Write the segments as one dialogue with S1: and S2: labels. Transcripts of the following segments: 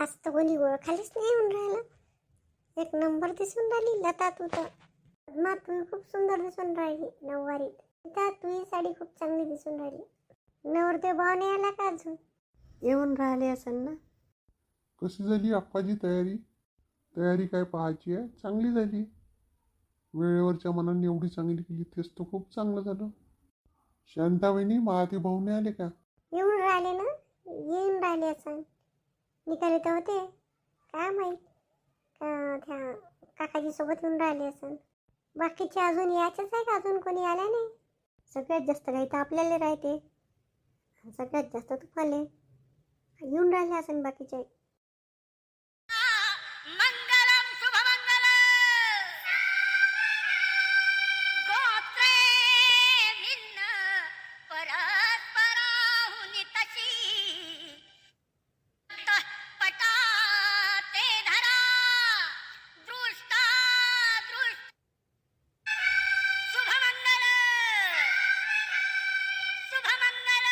S1: आज तर कोणी ओळखायलाच नाही म्हणून राहिलं. एक नंबर दिसून राहिली लता तू तर. पद्मा तू खूप सुंदर दिसून राहिली नऊवारीत. सीता तुझी साडी खूप चांगली दिसून राहिली. नवरदेव भाव नाही आला का अजून? येऊन राहिले असेल ना.
S2: कशी झाली आप्पाजी तयारी? तयारी काय पाहायची आहे? चांगली झाली. वेळेवरच्या मनाने एवढी चांगली केली तेच तर खूप चांगलं झालं. शांताबाईनी महादेव भाऊ नाही आले का?
S1: येऊन राहिले ना. येऊन राहिले असं निघाले तर होते. काय माहीत का त्या काकाजी सोबत येऊन राहिले असं. बाकीचे अजून यायचेच आहे का? अजून कोणी आला नाही. सगळ्यात जास्त काही तर आपल्याला राहते. सगळ्यात जास्त तुफाले येऊन राहिले असं बाकीचे.
S3: मंगलम शुभमंगल गोत्रे भिन्न परस्पराहुनी तशी पटा ते धरा दृष्टा दृष्ट शुभमंगल शुभमंगल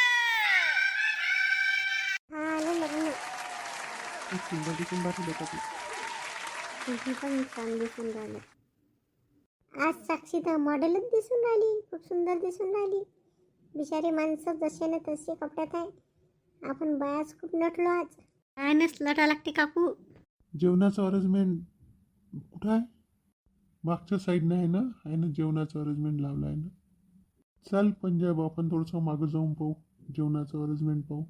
S1: हा आलं लग्न.
S2: खूप सुंदर दिसून राहिली लता तू.
S1: तुझी पण छान दिसून राहिलं. आज साक्षी तर मॉडेलच दिसून राहिली. खूप सुंदर दिसून राहिली. बिचारी माणसं जसे ना तसे कपड्यात आहे. आपण बायाच खूप नटलो आज. काय नसलटा लागते काकू.
S2: जेवणाचं अरेंजमेंट कुठं आहे? मागच्या साईडनं आहे ना जेवणाचं अरेंजमेंट लावलं आहे ना. चाल पंजाब आपण थोडंसं मागं जाऊन पाहू. जेवणाचं अरेंजमेंट पाहू.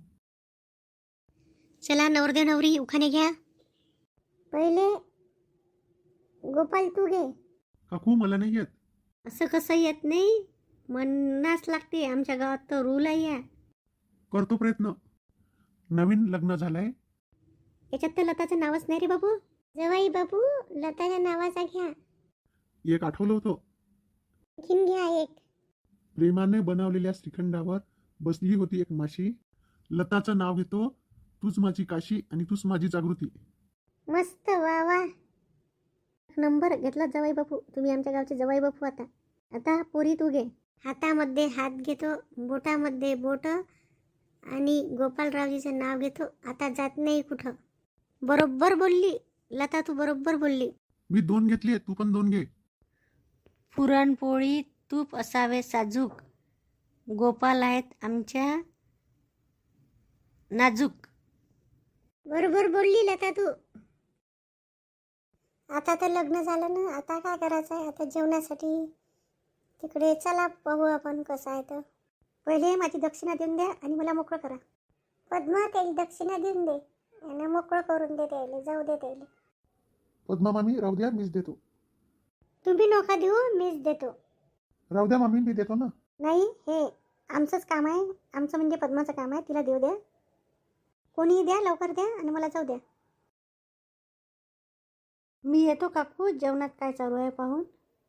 S1: चला नवरदेव नवरी उखाणे घ्या. पहिले गोपाल तू घे.
S2: काकू मला नाही येत.
S1: असं कसं येत नाही? म्हणण्यास लागते. आमच्या गावात तर रूल आहे या.
S2: करतो प्रयत्न. नवीन लग्न झालंय.
S1: याच्यात तर लताचं नावच नाही रे बाबू. जवाई बाबू लताच्या नावाचा घ्या.
S2: एक आठवलं होतं.
S1: आणखीन घ्या एक.
S2: प्रेमाने बनवलेल्या श्रीखंडावर बसली होती एक माशी. लताचं नाव घेतो. तूच माझी काशी आणि तूच माझी जागृती.
S1: मस्त वा वा. नंबर घेतला जवाई बापू. तुम्ही आमच्या गावचे जवाई बापू. आता आता पोरी तू घे. हातामध्ये हात घेतो. बोटामध्ये बोट आणि गोपालरावजीचं नाव घेतो. आता जात नाही कुठं. बरोबर बोलली लता तू. बरोबर बोलली.
S2: मी 2 घेतली तू पण 2 घे.
S1: पुरणपोळी तूप असावे साजूक. गोपाल आहेत आमच्या नाजूक. बरोबर बोलली लता तू. आता तर लग्न झालं ना. आता काय करायचं आहे? आता जेवणासाठी तिकडे चला पाहू आपण कसं आहे तर. पहिले माझी दक्षिणा देऊन द्या आणि मला मोकळं करा. पद्मा त्याला दक्षिणा देऊन दे आणि मोकळं करून दे. त्याला जाऊ दे. त्याला
S2: पद्मा मामी राहू द्या मीच देतो.
S1: तुम्ही नका देऊ. मीच देतो.
S2: राहू द्या मामी मी देतो ना.
S1: नाही हे आमचंच काम आहे. आमचं म्हणजे पद्माचं काम आहे. तिला देऊ द्या. कोणीही द्या. लवकर द्या आणि मला जाऊ द्या. मी येतो काकू. जेवणात काय चालू आहे पाहून.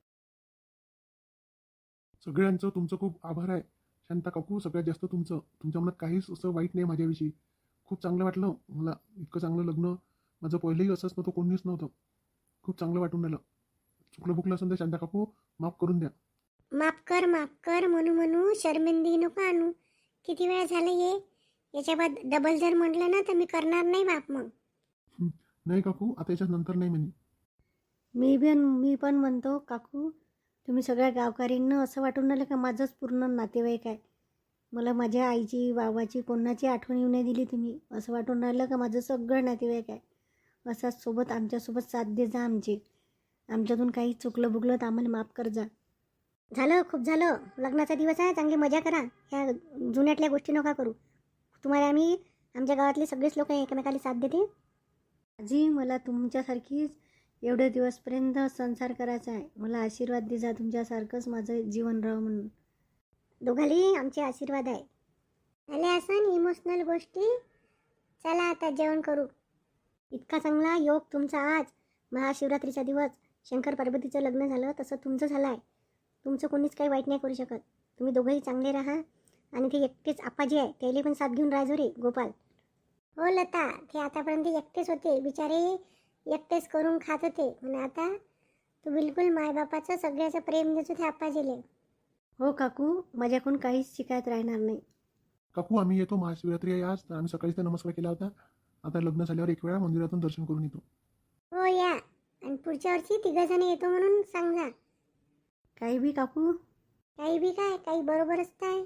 S2: सगळ्यांचं तुमचं खूप आभार आहे शांता काकू. सगळ्यात जास्त तुमचं. तुमच्या मनात काहीच असं वाईट नाही माझ्याविषयी. खूप चांगलं वाटलं मला. इतकं चांगलं लग्न माझं पहिलंही असंच नव्हतं. कोणीच नव्हतं. खूप चांगलं वाटून राहिलं. चुकलं बुकलं असेल तर शांता काकू माफ करून द्या.
S1: माफ कर म्हणू शर्मिंदगी नको आणू. किती वेळा झालं हे. याच्या बाद डबल जर म्हटलं ना तर मी करणार नाही माफ. मग
S2: नाही काकू आता याच्यात नंतर नाही म्हणे.
S1: मी पण म्हणतो काकू. तुम्ही सगळ्या गावकऱ्यांना असं वाटून राहिलं का माझंच पूर्ण नातेवाईक आहे. मला माझ्या आईची बाबाची कोणाची आठवण येऊ नाही दिली तुम्ही. असं वाटून राहिलं का माझं सगळं नातेवाईक आहे. असाच सोबत आमच्यासोबत साथ दे जा आमची. आमच्यातून काही चुकलं बुकलं तर आम्हाला माफ कर जा. झालं खूप झालं. लग्नाचा दिवस आहे. चांगली मजा करा. ह्या जुन्यातल्या गोष्टी नका करू. तुम्हाला आम्ही आमच्या गावातले सगळेच लोक एकमेकाला साथ देते. आजी मला तुमच्यासारखीच एवढे दिवसपर्यंत संसार करायचा आहे. मला आशीर्वाद दे जा. तुमच्यासारखंच माझं जीवन राहावं म्हणून. दोघाली आमचे आशीर्वाद आहे. झाले असं इमोशनल गोष्टी. चला आता जेवण करू. इतका चांगला योग तुमचा आज. महाशिवरात्रीचा दिवस. शंकर पार्वतीचं लग्न झालं तसं तुमचं झालं आहे. तुमचं कोणीच काही वाईट नाही करू शकत. तुम्ही दोघंही चांगले राहा. आणि ते एकटेच आप्पाजी आहे त्याला पण साथ घेऊन राहायचो रे गोपाल. हो लता. ते आतापर्यंत एकटेच होते बिचारे. एकटेच करून खात होते. पण आता तू बिलकुल मायबापाचं सगळ्याचं प्रेम देतो ते आप्पाजीले. हो काकू. माझ्याकडून काहीच शिकायत राहणार नाही.
S2: काकू आम्ही येतो. महाशिवरात्री आहे आज तर आम्ही सकाळीच तर नमस्कार केला होता. आता लग्न झाल्यावर एक वेळा मंदिरातून दर्शन करून येतो.
S4: हो या, आणि पुढच्या वर्षी 3 जण येतो म्हणून सांगा.
S1: काही बी काकू.
S4: काही बी काय, काही बरोबरच काय.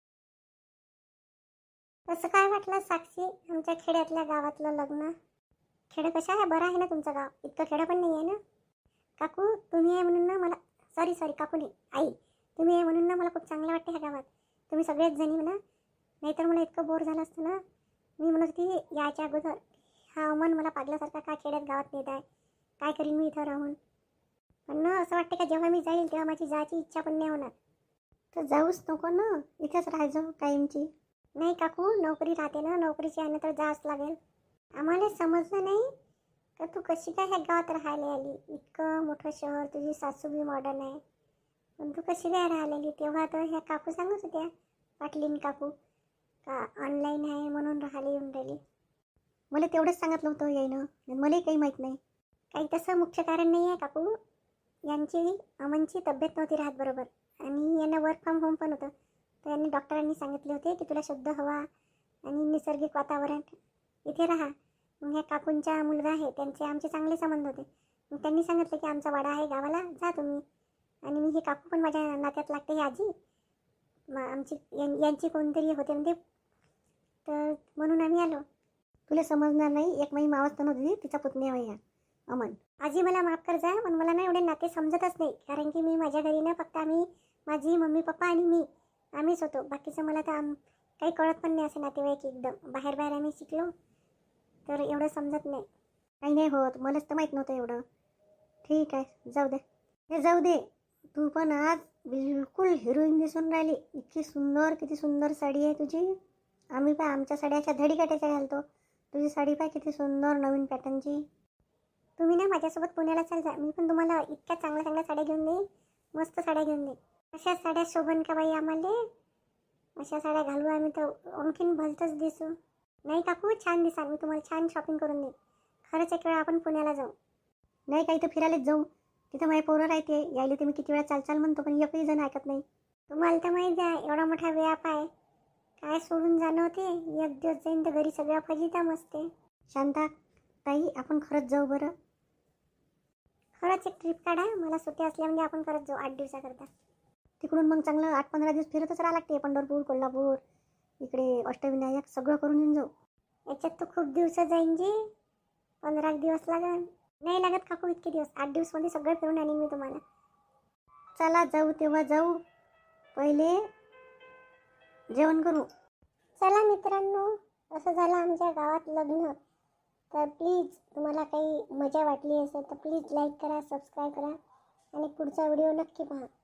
S4: कसं काय वाटलं साक्षी, आमच्या खेड्यातल्या गावातलं लग्न? खेडं कसं आहे, बरं आहे ना तुमचं गाव? इतकं खेडं पण नाही आहे ना. काकू तुम्ही आहे म्हणून ना मला, सॉरी काकू नाही, आई, तुम्ही आहे म्हणून ना मला खूप चांगलं वाटतं ह्या गावात. तुम्ही सगळेच जणी म्हणा, नाहीतर मला इतकं बोर झालं असतं ना. मी म्हणत होती याच्या अगोदर, हा अमन मला पागल्यासारखा काय खेड्यात गावात नेत आहे, काय करीन मी इथं राहून. पण ना असं वाटतं का जेव्हा मी जाईल तेव्हा माझी जायची इच्छा पण नाही होणार.
S1: तर जाऊच नको ना, इथेच राहायचं कायमची.
S4: नाही काकू, नोकरी राहते ना, नोकरीची आहे ना, तर जावंच लागेल. आम्हाला समजलं नाही का तू कशी काय ह्या गावात राहायला आली. इतकं मोठं शहर, तुझी सासू बी मॉडर्न आहे, पण तू कशी काय राहायला आली. तेव्हा तर ह्या काकू सांगत होत्या, पाटलीन काकू, का ऑनलाईन आहे म्हणून राहायला येऊन राहिली.
S1: मला तेवढंच सांगितलं होतं यायनं, मलाही काही माहीत नाही.
S4: काही तसं मुख्य कारण नाही आहे काकू. यांची अमनची तब्येत नव्हती राहत बरोबर, आणि यांना वर्क फ्रॉम होम पण होतं. तर यांनी डॉक्टरांनी सांगितले होते की तुला शुद्ध हवा आणि निसर्गिक वातावरण इथे राहा. मग ह्या काकूंचा मुलगा आहे, त्यांचे आमचे चांगले संबंध होते. मग त्यांनी सांगितलं की आमचा वाडा आहे गावाला, जा तुम्ही. आणि मी हे काकू पण माझ्या नात्यात लागते, ही आजी आमची यांची कोणतरी होते म्हणजे, तर म्हणून आम्ही आलो.
S1: तुला समजणार नाही, एक माई मावस तर नव्हती, तिचा पुतण्या वया अमन.
S4: आजी मला माफ कर जा, पण मला ना एवढे नाते समजतच नाही. कारण की मी माझ्या घरी ना फक्त आम्ही, माझी मम्मी पप्पा आणि मी, आम्हीच होतो. बाकीचं मला तर काही कळत पण नाही, असं नातेवाईक एकदम बाहेर आम्ही शिकलो, तर एवढं समजत नाही.
S1: काही नाही होत, मलाच तर माहीत नव्हतं एवढं. ठीक आहे, जाऊ दे, हे जाऊ दे. तू पण आज बिलकुल हिरोईन दिसून राहिली. इतकी सुंदर, किती सुंदर साडी आहे तुझी. आम्ही पाय आमच्या साड्या अशा धडीकाट्याच्या घालतो, तुझी साडी पाय किती सुंदर नवीन पॅटर्नची.
S4: तुम्ही ना माझ्यासोबत पुण्याला चाल जा, मी पण तुम्हाला इतक्या चांगल्या चांगल्या साड्या घेऊन देईन, मस्त साड्या घेऊन देईन. अशा साड्या शोभन का बाई आम्हाला, अशा साड्या घालू आम्ही तर आणखीन भलतंच दिसू. नाही काकू, छान दिसाल, मी तुम्हाला छान शॉपिंग करून देईन. खरंच एक वेळा आपण पुण्याला जाऊ.
S1: नाही, काही तर फिरायलाच जाऊ. तिथं माझे पोरं राहते, यायला ते मी किती वेळा चाल म्हणतो, पण एकही जण ऐकत नाही.
S4: तुम्हाला तर माहीत आहे एवढा मोठा व्याप आहे, काय सोडून जाणं होते. एक दिवस जाईन तर घरी सगळ्या फजिता मस्ते.
S1: शांता ताई, आपण खरंच जाऊ बरं.
S4: खरंच एक ट्रिप काढा, मला सुट्टी असल्या म्हणजे आपण खरंच जाऊ 8 दिवसाकरता.
S1: तिकडून मग चांगलं 8-15 दिवस फिरतच राहा लागते. पंढरपूर, कोल्हापूर, इकडे अष्टविनायक सगळं करून येऊन जाऊ.
S4: याच्यात तर खूप दिवस जाईन जी, 15 दिवस लागेल. नाही लागत काकू इतके दिवस, 8 दिवसमध्ये सगळं फिरून आणीन मी तुम्हाला.
S1: चला जाऊ, तेव्हा जाऊ. पहिले जेवण करू.
S4: चला मित्रांनो, असं झालं आमच्या गावात लग्न. तर प्लीज तुम्हाला काही मजा वाटली असेल तर प्लीज लाईक करा, सबस्क्राईब करा, आणि पुढचा व्हिडिओ नक्की पहा.